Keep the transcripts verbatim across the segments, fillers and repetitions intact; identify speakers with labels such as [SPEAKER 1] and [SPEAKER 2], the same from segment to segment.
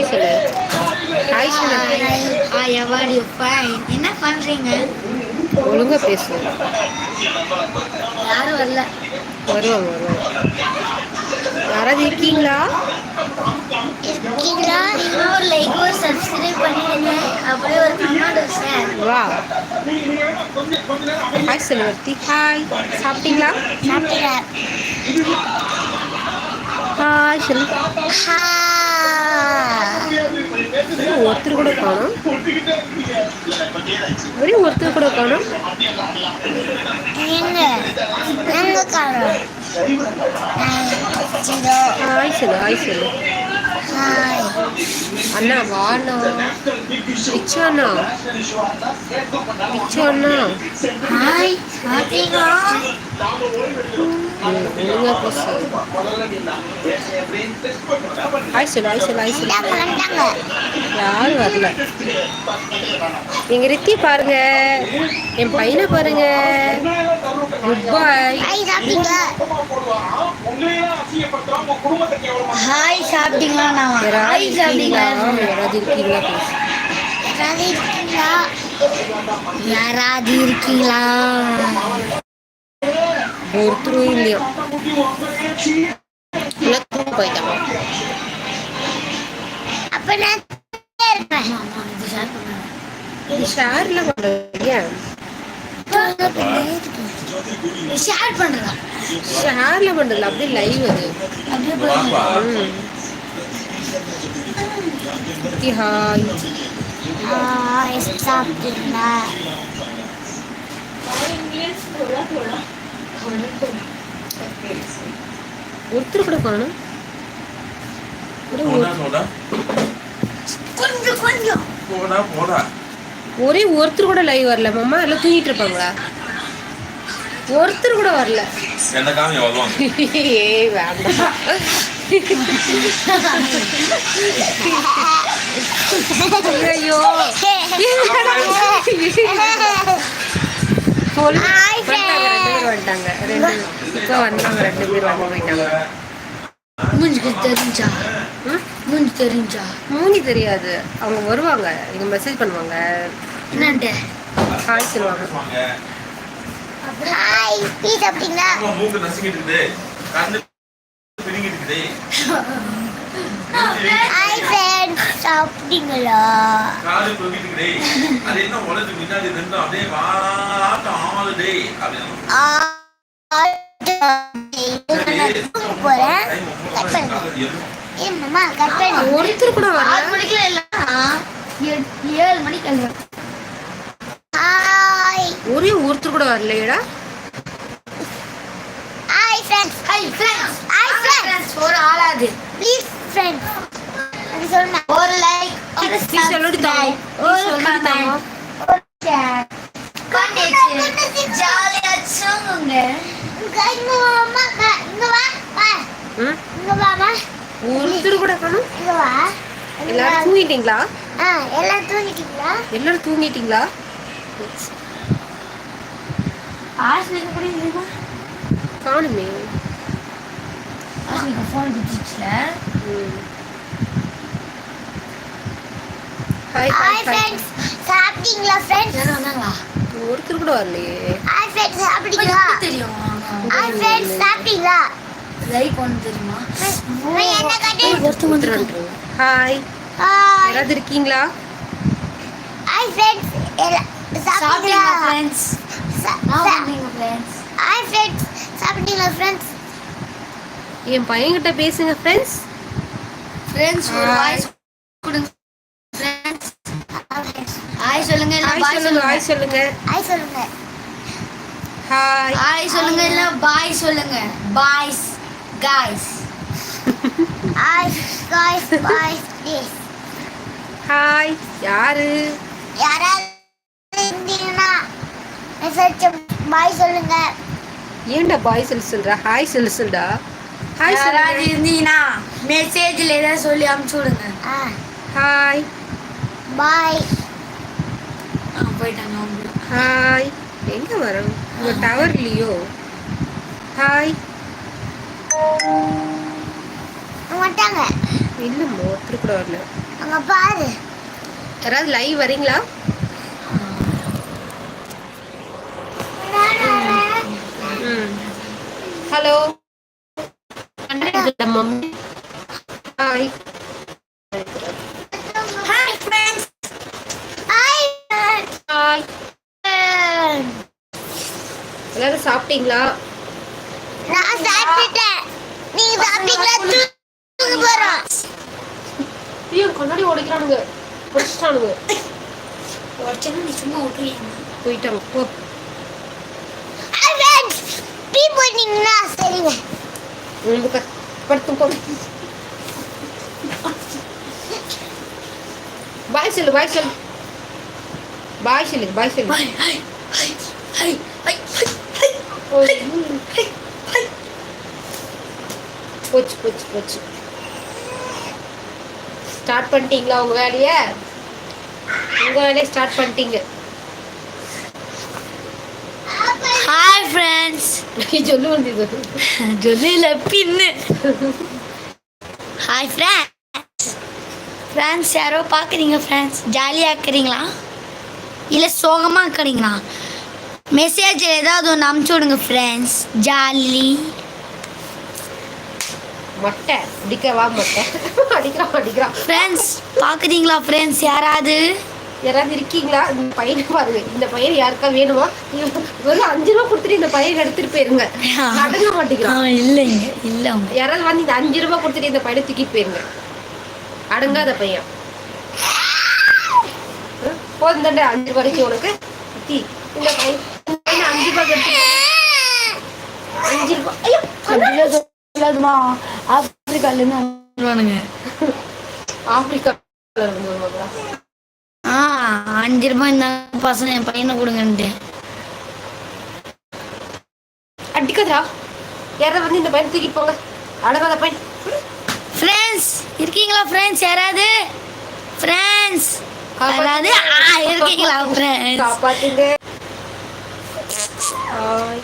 [SPEAKER 1] சொல்லு. ஹாய் சொல்லு.
[SPEAKER 2] Hi, how are you? Fine. என்ன பண்றீங்க?
[SPEAKER 1] ஒழுங்கா பேசு.
[SPEAKER 2] யாரும் வரல.
[SPEAKER 1] வருவாங்க வருவாங்க. யாராவது இருக்கீங்களா?
[SPEAKER 2] இருக்கீங்களா? ஒரு லைக் ஒரு சப்ஸ்கிரைப் பண்ணிடுங்க. அப்படியே ஒரு கமெண்ட் ஷேர்.
[SPEAKER 1] வா. ஹாய் செல்வர்த்தி. ஹாய். சாப்பிட்டீங்களா?
[SPEAKER 2] சாப்பிட்டீங்க?
[SPEAKER 1] ஹாய் சொல்லு.
[SPEAKER 2] ஹாய்.
[SPEAKER 1] ஒருத்தர் கூட காணும். ஒரே ஒருத்தர் கூட காணும்.
[SPEAKER 2] எங்க எங்க காணோம்?
[SPEAKER 1] ஹாய் சொல்லு. ஹாய் சொல்லு.
[SPEAKER 2] ஹாய்.
[SPEAKER 1] அண்ணா வாண்ணா. பிச்சு அண்ணா. பிச்சு அண்ணா.
[SPEAKER 2] ஹாய். சாப்பிட்டீங்களா?
[SPEAKER 1] ஒழுங்கா பேசு. ஹாய் சொல்லு. ஹாய் சொல்லு. ஹாய் சொல்லு.
[SPEAKER 2] வந்துட்டாங்க.
[SPEAKER 1] யாரும் வரல. எங்க ரித்தி பாருங்க, என் பையனை பாருங்க. Goodbye.
[SPEAKER 2] ஹாய், சாப்பிட்டீங்களா? ஹாய், சாப்பிட்டீங்களா? நான் ஹாய் சாப்பிட்டீங்களா?
[SPEAKER 1] யாராவது இருக்கீங்களா பேசு.
[SPEAKER 2] யாராவது இருக்கீங்களா? யாராவது இருக்கீங்களா?
[SPEAKER 1] ஒருத்தரும் இல்லையா? எல்லாம் போயிட்டாங்க.
[SPEAKER 2] அப்ப நான் இருப்பேன்.
[SPEAKER 1] இது ஷேர்ல பண்றீங்க.
[SPEAKER 2] ஷேர் பண்றதா?
[SPEAKER 1] ஷேர்ல பண்றதுல அப்படியே லைவ் அது.
[SPEAKER 2] அப்படியே போய்
[SPEAKER 1] ஹாய்.
[SPEAKER 2] ஹாய், சாப்பிட்டீங்களா?
[SPEAKER 1] ஒருத்தர் கூட காணும்.
[SPEAKER 2] கொஞ்சம் கொஞ்சம்
[SPEAKER 1] ஒரே ஒருத்தர் கூட லைவ் வரல. மாமா எல்லாம் தூங்கிட்டு இருப்பாங்களா? ஒருத்தர் கூட வரல. ஏய் வேண்டாம். ஐயோ வந்துட்டாங்க. ரெண்டு இப்போ வந்தாங்க. ரெண்டு பேர் வந்து போயிட்டாங்க.
[SPEAKER 2] மூஞ்சிக்கு தெரிஞ்சா? மூஞ்சி தெரிஞ்சா?
[SPEAKER 1] மூஞ்சி தெரியாது. அவங்க வருவாங்க, நீங்க மெசேஜ் பண்ணுவாங்க.
[SPEAKER 2] என்னன்ட்டு
[SPEAKER 1] ஹாய் சொல்லுவாங்க.
[SPEAKER 2] ஹாய், டீ சாப்பிட்டீங்களா?
[SPEAKER 3] மூக்கு நசுங்கிட்டு இருக்குது, கண்ணு பிரிங்கிட்டு இருக்குது.
[SPEAKER 2] ஹாய் ஃப்ரெண்ட்ஸ், சாப்பிட்டீங்களா?
[SPEAKER 3] காது தொங்கிட்டு இருக்குது. அது என்ன உலகத்து முன்னாடி நின்று அப்படியே வாட்டம் ஆளுடே அப்படின்னு
[SPEAKER 2] போறேன். கட் பண்ணுங்க. ஏ மாமா, கட் பண்ணு.
[SPEAKER 1] ஒருத்தர் கூட வரல.
[SPEAKER 2] ஆறு மணிக்கு இல்ல, ஏழு மணிக்கு இல்ல. ஹாய்.
[SPEAKER 1] ஒரே ஒருத்தர் கூட வரலையடா.
[SPEAKER 2] Hi friends. Hi friends. Hi friends. ஒரு ஆளாது. Please friends. அது சொன்னா ஒரு லைக், ஒரு
[SPEAKER 1] ப்ளீஸ் சொல்லுடி தாமோ.
[SPEAKER 2] ஒரு கமெண்ட், ஒரு ஷேர். கண்டிச்சு ஜாலியா சொல்லுங்க. இங்க வாமா, இங்க வா. வா.
[SPEAKER 1] ம்
[SPEAKER 2] இங்க வாமா.
[SPEAKER 1] ஒருத்தர் கூட காணும்.
[SPEAKER 2] இங்க வா.
[SPEAKER 1] எல்லாரும் தூங்கிட்டீங்களா?
[SPEAKER 2] ஆ, எல்லாம் தூங்கிட்டீங்களா?
[SPEAKER 1] எல்லாரும் தூங்கிட்டீங்களா?
[SPEAKER 2] ஆஸ்லிக்கு கூட இருக்குமா?
[SPEAKER 1] காணுமே.
[SPEAKER 2] ஆஸ்லிக்கு ஃபோன் குத்திச்சுல.
[SPEAKER 1] ஹாய்
[SPEAKER 2] ஹாய் ஃப்ரெண்ட்ஸ், சாப்பிட்டீங்களா ஃப்ரெண்ட்ஸ்? யாரும் வந்தாங்களா?
[SPEAKER 1] ஒருத்தர் கூட வரலையே.
[SPEAKER 2] ஹாய் ஃப்ரெண்ட்ஸ், சாப்பிட்டீங்களா?
[SPEAKER 4] தெரியும்.
[SPEAKER 2] ஹாய் ஃப்ரெண்ட்ஸ், சாப்பிட்டீங்களா?
[SPEAKER 4] லைக் ஒன்று தெரியுமா?
[SPEAKER 2] நான் என்ன கட்டி?
[SPEAKER 1] ஒருத்தர் வந்துருக்காங்க. ஹாய்.
[SPEAKER 2] ஹாய்.
[SPEAKER 1] யாராவது இருக்கீங்களா?
[SPEAKER 2] ஹாய் ஃப்ரெண்ட்ஸ், சாப்பிட்டீங்களா
[SPEAKER 4] சாப்பிட்டீங்களா ஃப்ரெண்ட்ஸ்?
[SPEAKER 2] சா-
[SPEAKER 4] நான்
[SPEAKER 2] சா-
[SPEAKER 4] வந்தீங்க ஃப்ரெண்ட்ஸ்.
[SPEAKER 2] ஹாய் ஃப்ரெண்ட்ஸ், சாப்பிட்டீங்களா ஃப்ரெண்ட்ஸ்?
[SPEAKER 1] என் பையன்கிட்ட பேசுங்க ஃப்ரெண்ட்ஸ்.
[SPEAKER 4] ஃப்ரெண்ட்ஸ் ஒரு
[SPEAKER 1] Hi.
[SPEAKER 4] வாய்ஸ் கொடுங்க ஃப்ரெண்ட்ஸ். ஹாய் சொல்லுங்க இல்ல
[SPEAKER 1] ஹாய்
[SPEAKER 4] பாய்
[SPEAKER 1] சொல்லுங்க.
[SPEAKER 4] சொல்லுங்க.
[SPEAKER 1] ஹாய் சொல்லுங்க.
[SPEAKER 2] ஹாய் சொல்லுங்க.
[SPEAKER 1] ஹாய்.
[SPEAKER 4] ஹாய் சொல்லுங்க இல்ல பாய் சொல்லுங்க. Boys guys.
[SPEAKER 2] Hi guys, bye please.
[SPEAKER 1] Hi. யாரு?
[SPEAKER 2] யாராவது இருந்தீங்கன்னா மெசேஜ் பாய் சொல்லுங்க.
[SPEAKER 1] ஏன்டா பாய் சொல்லு சொல்ற? ஹாய் சொல்லு சொல்டா. ஹாய்
[SPEAKER 4] யாராவது
[SPEAKER 1] சொல்லுங்க.
[SPEAKER 4] இருந்தீங்கன்னா மெசேஜ்ல ஏதாவது சொல்லி அனுப்பிச்சு விடுங்க.
[SPEAKER 2] ஆ,
[SPEAKER 1] ஹாய்.
[SPEAKER 2] பாய்.
[SPEAKER 4] ஆ போயிட்டாங்க அவங்க.
[SPEAKER 1] ஹாய். எங்க வரோம்? உங்க டவர் இல்லையோ? ஹாய்.
[SPEAKER 2] வந்துட்டாங்க.
[SPEAKER 1] இல்லம்மா ஒருத்தர் கூட வரல.
[SPEAKER 2] அங்க பாரு.
[SPEAKER 1] யாராவது லைவ் வரீங்களா? ம் hello mummy. Hi
[SPEAKER 2] hi friends. Hi
[SPEAKER 1] hi. எல்லாரும் சாப்பிட்டீங்களா?
[SPEAKER 2] நான் சாப்பிட்டேன். நீங்க சாப்பிட்டீங்களா? தூங்க போறோம்.
[SPEAKER 1] ஐயோ கண்ணாடி உடைக்கிறானுங்க, உடைச்சிட்டானுங்க.
[SPEAKER 4] உடச்சேன்னா நீ சும்மா விட்டுருவீங்க.
[SPEAKER 1] போயிட்டாங்க போ.
[SPEAKER 2] Hi friends. டீ போட்டீங்களா? சரிங்க.
[SPEAKER 1] உங்களுக்கு படுத்து போ. பாய் சொல்லு, பாய் சொல்லு, பாய் சொல்லு, பாய் சொல்லு.
[SPEAKER 4] Hi hi hi hi hi hi hi.
[SPEAKER 1] போச்சு போச்சு போச்சு. ஸ்டார்ட் பண்ணிட்டீங்களா உங்க வேலையை? உங்க வேலையை ஸ்டார்ட் பண்ணிட்டீங்க.
[SPEAKER 4] Hi friends.
[SPEAKER 1] சொல்லு வந்தது
[SPEAKER 4] ஜொல்லியில் பின்னு. Hi friends. ஃப்ரெண்ட்ஸ் யாரோ பார்க்குறீங்க ஃப்ரெண்ட்ஸ்? ஜாலியாக இருக்கிறீங்களா இல்லை சோகமாக இருக்கிறீங்களா? மெசேஜ் ஏதாவது ஒன்று அமுச்சு விடுங்க ஃப்ரெண்ட்ஸ். ஜாலி
[SPEAKER 1] மொட்டை அடிக்கவா? மொட்டை அடிக்கிறான் அடிக்கிறான்.
[SPEAKER 4] ஃப்ரெண்ட்ஸ் பார்க்குறீங்களா ஃப்ரெண்ட்ஸ்? யாராவது
[SPEAKER 1] யாராவது இருக்கீங்களா? இந்த பையனை பாருங்க. இந்த பையன் யாருக்கா வேணுமா? ஒரு அஞ்சு ரூபா கொடுத்துட்டு இந்த பையன் எடுத்துட்டு போயிருங்க. அடங்க மாட்டேங்கிறான்.
[SPEAKER 4] இல்லைங்க இல்லை அவங்க
[SPEAKER 1] யாராவது வந்து இந்த அஞ்சு ரூபா கொடுத்துட்டு இந்த பையனை தூக்கிட்டு போயிருங்க. அடங்காத பையன். போதும் தாண்டா அஞ்சு ரூபாய்க்கு உனக்கு. தி இந்த பையன் இந்த பையனை அஞ்சு ரூபாய் எடுத்து அஞ்சு ரூபாய். ஐயோ
[SPEAKER 4] சொல்லாதுமா. ஆப்பிரிக்காலேருந்து வந்துடுவானுங்க.
[SPEAKER 1] ஆப்பிரிக்கா
[SPEAKER 4] ஆ அஞ்சு ரூபாய் இந்த பசங்க என் பையனை கொடுங்கன்ட்டு.
[SPEAKER 1] அடிக்காதா? யாராவது வந்து இந்த பையனை தூக்கிட்டு போங்க. அடங்காத பையன்.
[SPEAKER 4] ஃப்ரெண்ட்ஸ் இருக்கீங்களா ஃப்ரெண்ட்ஸ்? யாராவது ஃப்ரெண்ட்ஸ் யாராவது ஆ இருக்கீங்களா ஃப்ரெண்ட்ஸ்?
[SPEAKER 1] காப்பாத்துங்க. ஹாய்.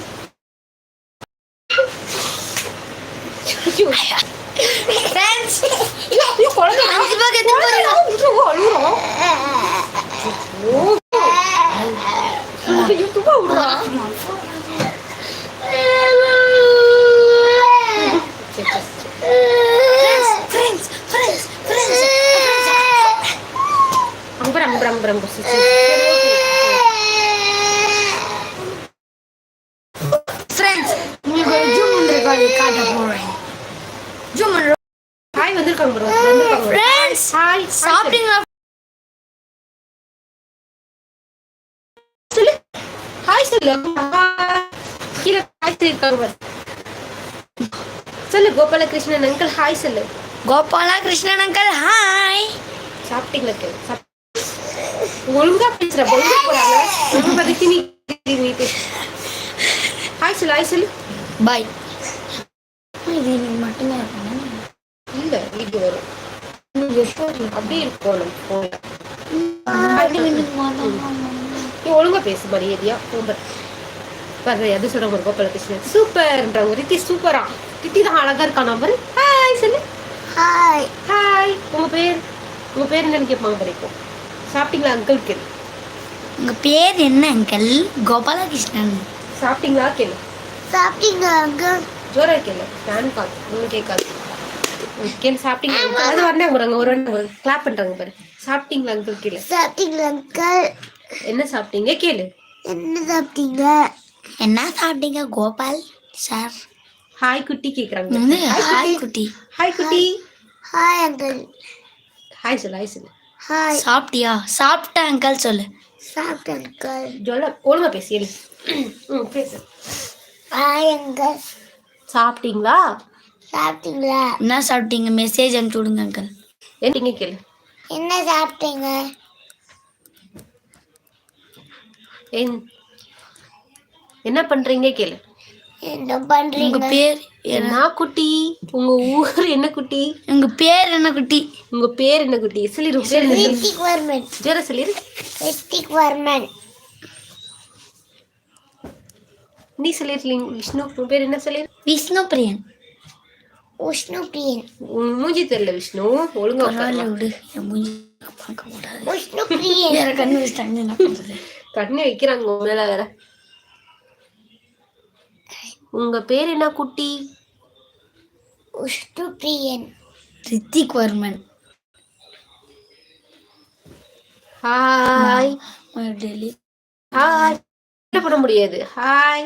[SPEAKER 4] ஃப்ரெண்ட்ஸ்
[SPEAKER 1] ஐயோ குழந்தை
[SPEAKER 4] அஞ்சு ரூபாய் எடுத்து போறீங்க.
[SPEAKER 1] அழுகுறோம். ஐயோ தூக்க விடுறா.
[SPEAKER 4] ஃப்ரெண்ட்ஸ் ஃப்ரெண்ட்ஸ் ஃப்ரெண்ட்ஸ்
[SPEAKER 1] அம்பர் அம்பர் அம்பர் அம்பர்
[SPEAKER 4] ஃப்ரெண்ட்ஸ் உங்களுக்கு ஒரு ஜூம் ரெக்கார்ட் காட்ட போறேன். ஜூம்
[SPEAKER 1] ஹாய் வந்திருக்காங்க ப்ரோ. வந்திருக்காங்க
[SPEAKER 4] ஃப்ரெண்ட்ஸ்.
[SPEAKER 1] ஹாய்.
[SPEAKER 4] சாப்பிட்டீங்களா?
[SPEAKER 1] சொல்லு ஹாய் சொல்லு. கீழே ஹாய் சொல்லிருக்காங்க பாரு. சொல்லு கோபாலகிருஷ்ணன் அங்கிள் ஹாய் சொல்லு.
[SPEAKER 4] Gopala Krishnan uncle hi.
[SPEAKER 1] சாப்பிட்டீங்களா? கேளு. சாப்~ ஒழுங்கா பேசுற. ஒழுங்கா போறாங்க. ரொம்ப பதுக்கி நீ நீ பேசு. ஹாய் சொல்லு, ஹாய் சொல்லு.
[SPEAKER 4] பாய். இது நீ மட்டுமே இருக்கணும்.
[SPEAKER 1] இல்ல வீடியோ வரும். அப்படியே இருக்கும் நம்ம போன்ல. நீ ஒழுங்கா பேசு மரியாதையா. ரொம்ப பாரு எது சொல்ற ஒரு கோபாலகிருஷ்ணன் சூப்பர்ன்றாங்க. ரித்தி சூப்பரா. ரித்தி தான் அழகா இருக்கா. நம்பர் ஹாய் சொல்லு.
[SPEAKER 2] ஹாய்.
[SPEAKER 1] ஹாய். உங்க பேர் உங்க பேர் என்னன்னு கேட்பாங்க வரைக்கும். சாப்பிட்டீங்களா அங்கிள் கேளு.
[SPEAKER 4] உங்க பேர் என்ன அங்கிள்? கோபாலகிருஷ்ணன்.
[SPEAKER 1] சாப்பிட்டீங்களா கேளு.
[SPEAKER 2] சாப்பிட்டீங்களா அங்கிள்?
[SPEAKER 1] ஜோரா கேளு. ஃபேன் கால் ஒன்றும் கேட்காது. கேளு. சாப்பிட்டீங்களா அங்கிள்? அது வரணும் ஒரு ஒரு கிளாப் பண்றாங்க பாரு. சாப்பிட்டீங்களா அங்கிள் கேளு.
[SPEAKER 2] சாப்பிட்டீங்களா அங்கிள்?
[SPEAKER 1] என்ன சாப்பிட்டீங்க கேளு.
[SPEAKER 2] என்ன சாப்பிட்டீங்க?
[SPEAKER 4] என்ன சாப்பிட்டீங்க கோபால் சார்?
[SPEAKER 1] ஹாய் குட்டி கேக்குறாங்க.
[SPEAKER 4] வந்து ஹாய் குட்டி.
[SPEAKER 1] ஹாய் குட்டி.
[SPEAKER 2] Hi uncle.
[SPEAKER 1] ஹாய் சொல்லு, ஹாய் சொல்லு.
[SPEAKER 2] ஹாய்.
[SPEAKER 4] சாப்பிட்டியா? சாப்பிட்டேன் அங்கிள் சொல்லு.
[SPEAKER 2] சாப்பிட்டேன் அங்கிள்.
[SPEAKER 1] ஜோலா ஒழுங்கா பேசு. எழு. ம் பேசு.
[SPEAKER 2] Hi uncle.
[SPEAKER 1] சாப்பிட்டீங்களா?
[SPEAKER 2] சாப்பிட்டீங்களா?
[SPEAKER 4] என்ன சாப்பிட்டீங்க? மெசேஜ் அனுப்பிச்சு விடுங்க அங்கிள்.
[SPEAKER 1] என்னங்க கேளு.
[SPEAKER 2] என்ன சாப்பிட்டீங்க?
[SPEAKER 1] என்- என்ன பண்றீங்க கேளு.
[SPEAKER 2] என்ன
[SPEAKER 4] உங்க
[SPEAKER 2] பண்றீங்க?
[SPEAKER 4] பேர் என்ன?
[SPEAKER 1] என்ன குட்டி? உங்க ஊர் என்ன குட்டி?
[SPEAKER 4] உங்க பேர் என்ன குட்டி?
[SPEAKER 1] உங்க பேர் என்ன குட்டி? சொல்லிரு. பேர் என்ன?
[SPEAKER 2] ரித்திக் வர்மன்.
[SPEAKER 1] ஜோரா சொல்லிரு.
[SPEAKER 2] ரித்திக் வர்மன்.
[SPEAKER 1] நீ சொல்லிருக்கீங்க விஷ்ணு. உன் பேர் என்ன சொல்லிரு.
[SPEAKER 4] விஷ்ணு பிரியன்.
[SPEAKER 2] விஷ்ணு பிரியன்
[SPEAKER 1] உன் மூஞ்சி தெரியல விஷ்ணு, ஒழுங்கா
[SPEAKER 4] பரவாயில்ல
[SPEAKER 1] உட்காரு.
[SPEAKER 4] விடு, என் மூஞ்சி பார்க்க கூடாது.
[SPEAKER 2] விஷ்ணு பிரியன்
[SPEAKER 4] வேற கண்ணு வச்சுட்டாங்க என்ன பண்றது?
[SPEAKER 1] கண்ணு வைக்கிறாங்க உன் மேல வேற. உங்க பேர் என்ன குட்டி?
[SPEAKER 2] விஷ்ணு பிரியன்
[SPEAKER 4] ரித்திக் வர்மன்.
[SPEAKER 1] Hi
[SPEAKER 4] Delhi
[SPEAKER 1] hi. என்ன பண்ண முடியாது. ஹாய்.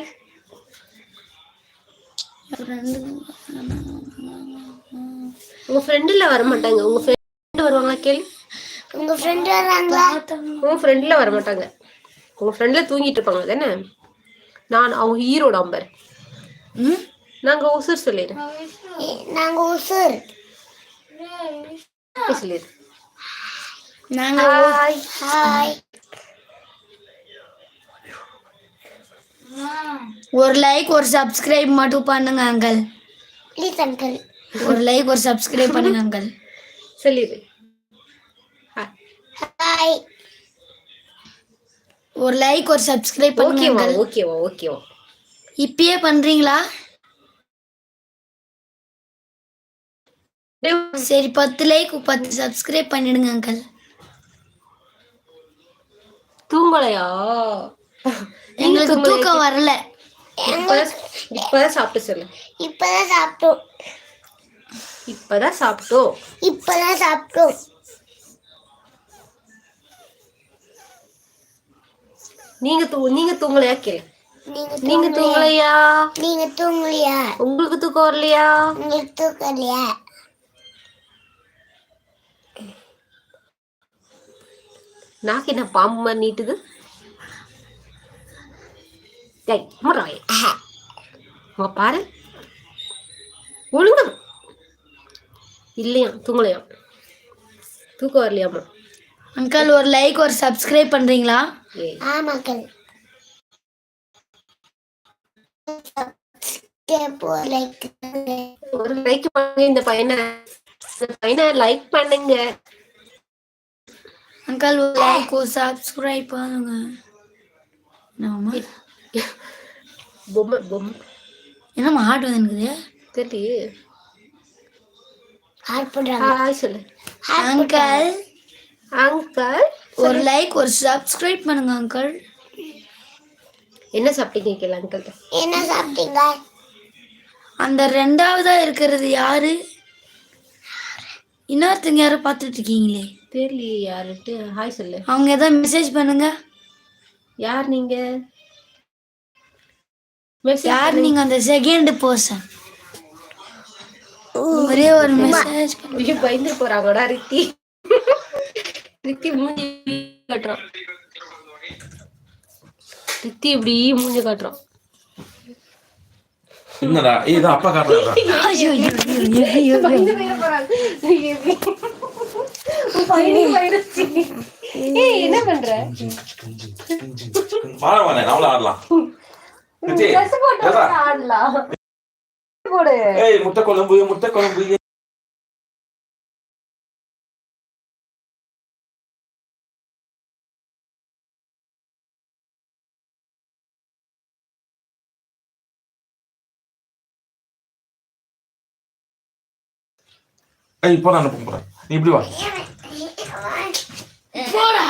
[SPEAKER 1] உங்க ஃப்ரெண்டுல வர மாட்டாங்க. உங்க ஃப்ரெண்ட் வருவாங்களா கேளு.
[SPEAKER 2] உங்க ஃப்ரெண்ட் வராங்களா?
[SPEAKER 1] உங்க ஃப்ரெண்ட்ல வர மாட்டாங்க. உங்க ஃப்ரெண்ட்ல தூங்கிட்டு இருப்பாங்க தானே. நான் அவங்க ஹீரோ நம்பர்.
[SPEAKER 4] ம்
[SPEAKER 1] நாங்க உசுர் சொல்லிடு.
[SPEAKER 2] ஏ- நாங்க உசுர்
[SPEAKER 1] சொல்லிடு.
[SPEAKER 4] நாங்க
[SPEAKER 1] ஹாய்.
[SPEAKER 2] ஹாய்
[SPEAKER 4] ஒரு லைக் ஒரு சப்ஸ்கிரைப் மட்டும் பண்ணுங்க அங்கிள்.
[SPEAKER 2] Please uncle.
[SPEAKER 4] ஒரு லைக் ஒரு சப்ஸ்கிரைப் பண்ணுங்க அங்கிள்.
[SPEAKER 1] சொல்லிடு. ஹாய்.
[SPEAKER 2] ஹாய்
[SPEAKER 4] ஒரு லைக் ஒரு சப்ஸ்கிரைப் பண்ணுங்க
[SPEAKER 1] ஓகேவா
[SPEAKER 4] அங்கிள்.
[SPEAKER 1] ஓகேவா ஓகேவா.
[SPEAKER 4] இப்பயே பண்றீங்களா? சரி, பத்து லைக் பத்து சப்ஸ்கிரைப் பண்ணிடுங்க அங்கிள்.
[SPEAKER 1] தூங்கலையா?
[SPEAKER 4] எங்களுக்கு தூக்கம் வரல.
[SPEAKER 1] இப்பதான் இப்பதான் சாப்பிட்டு சொல்லு.
[SPEAKER 2] இப்பதான் சாப்பிட்டோம்
[SPEAKER 1] இப்பதான் சாப்பிட்டோம்.
[SPEAKER 2] இப்பதான் சாப்பிட்டோம்
[SPEAKER 1] நீங்க தூ நீங்க தூங்கலையா கேளு.
[SPEAKER 2] நீங்க
[SPEAKER 1] நீங்க
[SPEAKER 2] தூங்கலையா?
[SPEAKER 1] தூங்கலையா?
[SPEAKER 2] நீங்க தூங்கலையா?
[SPEAKER 1] உங்களுக்கு தூக்கம் வரலையா?
[SPEAKER 2] உங்களுக்கு தூக்கலையா?
[SPEAKER 1] நாக்கு என்ன பாம்பு மாதிரி நீட்டுது? டேய், முறாய். உங்க பாரு. ஒழுங்கா இல்லையா? தூங்கலையா? தூக்கம் வரலையாமா?
[SPEAKER 4] அங்கிள் ஒரு லைக் ஒரு சப்ஸ்கிரைப் பண்றீங்களா?
[SPEAKER 1] ஏய்,
[SPEAKER 2] ஆமாக்கள். லைக்
[SPEAKER 1] ஒரு லைக் பண்ணுங்க. இந்த பையனை இந்த பையனை லைக் பண்ணுங்க.
[SPEAKER 4] அங்கிள் ஒரு லைக் ஒரு சப்ஸ்கிரைப் பண்ணுங்க. என்னம்மா
[SPEAKER 1] பொம்மை பொம்மை
[SPEAKER 4] என்னம்மா ஹார்ட் வந்துருக்குது?
[SPEAKER 1] தெரியலையே.
[SPEAKER 2] ஹார்ட் பண்றாங்க.
[SPEAKER 1] ஹாய் சொல்லு.
[SPEAKER 4] அங்கிள்
[SPEAKER 1] அங்கிள்
[SPEAKER 4] ஒரு லைக் ஒரு சப்ஸ்கிரைப் பண்ணுங்க அங்கிள்.
[SPEAKER 1] என்ன சாப்பிட்டீங்க கேளு அங்கிள்.
[SPEAKER 2] என்ன சாப்பிட்டீங்க?
[SPEAKER 4] அந்த ரெண்டாவதா இருக்கிறது யாரு? இன்னொருத்தங்க யாரும் பார்த்துட்டு இருக்கீங்களே,
[SPEAKER 1] தெரியலையே யாருட்டு. ஹாய் சொல்லு.
[SPEAKER 4] அவங்க ஏதாவது மெசேஜ் பண்ணுங்க.
[SPEAKER 1] யார் நீங்க? மெசேஜ்
[SPEAKER 4] யார் நீங்க? அந்த செகண்ட் பர்சன் ஒரே ஒரு மெசேஜ்.
[SPEAKER 1] ஐயோ, பயந்து போறாங்கடா ரித்தி. ரித்தி மூஞ்சி காட்டுறான். ரித்தி இப்படி மூஞ்சி காட்டுறான்.
[SPEAKER 3] என்னடா இது அப்பா காட்டுறா?
[SPEAKER 4] ஐயோ ஐயோ ஐயோ, ஐயோ
[SPEAKER 1] பயந்து போயிட போறாங்க. பயந்து போயிடுச்சு. ஏய், என்ன பண்ற?
[SPEAKER 3] வாழ வாழ நம்மள ஆடலாம். ரித்தி,
[SPEAKER 1] Dress போட்டு
[SPEAKER 3] ஏதா?
[SPEAKER 1] ஆடலாம். போடு.
[SPEAKER 3] ஏய் முட்டை குழம்பு முட்டை குழம்பு. ஏய் இப்போ நான் அனுப்ப போறேன். நீ இப்படி வா.
[SPEAKER 4] போடா.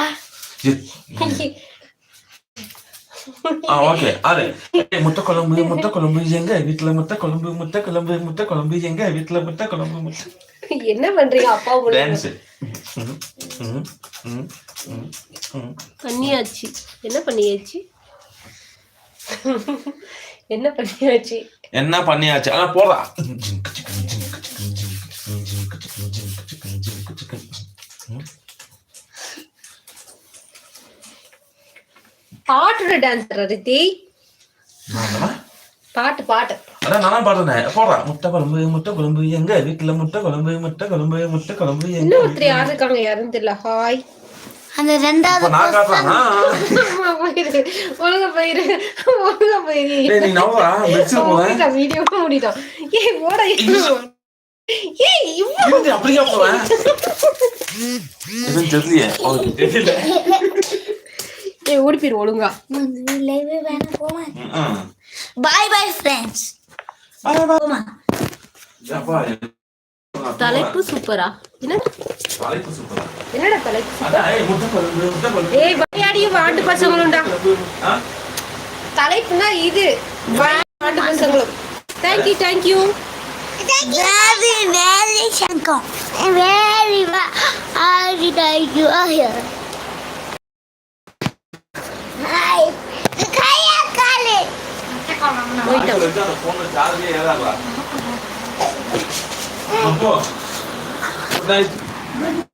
[SPEAKER 3] ஆ ஓகே. அரே ஏய் முட்டை குழம்பு முட்டை குழம்பு எங்க வீட்ல முட்டை குழம்பு முட்டை குழம்பு முட்டை குழம்பு எங்க வீட்ல முட்டை குழம்பு முட்டை.
[SPEAKER 1] என்ன பண்றீங்க அப்பா
[SPEAKER 3] டான்ஸ்.
[SPEAKER 1] பண்ணியாச்சு. என்ன பண்ணியாச்சு? என்ன பண்ணியாச்சு?
[SPEAKER 3] என்ன பண்ணியாச்சு? ஆனா போடா.
[SPEAKER 1] பாட்டோட டான்ஸ் ரித்தி. பாட்டு பாட்டு.
[SPEAKER 3] அதான் நானும் பாடுறேன். போடா முட்டை குழம்பு முட்டை குழம்பு எங்க வீட்டுல முட்டை குழம்பு முட்டை குழம்பு முட்டை குழம்பு எங்க.
[SPEAKER 1] இன்னும் ஒருத்தர் யாரு இருக்காங்க யாருன்னு தெரியல. ஹாய்.
[SPEAKER 4] அந்த ரெண்டாவது
[SPEAKER 3] இப்ப நான் காட்டுறேனா?
[SPEAKER 1] போயிரு. ஒழுங்கா போயிரு. ஒழுங்கா போயிரு.
[SPEAKER 3] டேய் நீ நவரா வெச்சு போறேன்.
[SPEAKER 1] வீடியோ முடிட்டோம். ஏய் போட. ஏய் இவ்வளவு
[SPEAKER 3] இருந்து அப்படியே போறேன். இவன் தெரியல. ஓகே தெரியல.
[SPEAKER 1] ஏய் ஓடி போயிரு ஒழுங்கா.
[SPEAKER 2] லைவே வேணா போவேன்.
[SPEAKER 3] ம்.
[SPEAKER 4] Bye bye friends.
[SPEAKER 3] Bye bye.
[SPEAKER 4] போமா
[SPEAKER 3] ஏப்பா,
[SPEAKER 1] தலைப்பு சூப்பரா? என்ன
[SPEAKER 3] தலைப்பு சூப்பரா?
[SPEAKER 1] என்னடா தலைப்பு?
[SPEAKER 3] அதான், ஏய், முட்டை குழம்பு, முட்டை குழம்பு.
[SPEAKER 1] ஏய் விளையாடியும் வாண்டு பசங்களும்டா.
[SPEAKER 3] ஆ?
[SPEAKER 1] தலைப்புனா இது வாண்டு பசங்களும். Thank you thank you.
[SPEAKER 2] Very, very Shankar. Very, very thank you. Hi. Kaya kale.
[SPEAKER 1] போயிட்டோம்.
[SPEAKER 3] வச்சு அந்த phone-ல charge ஏ ஏறாதா? அப்போ, good night.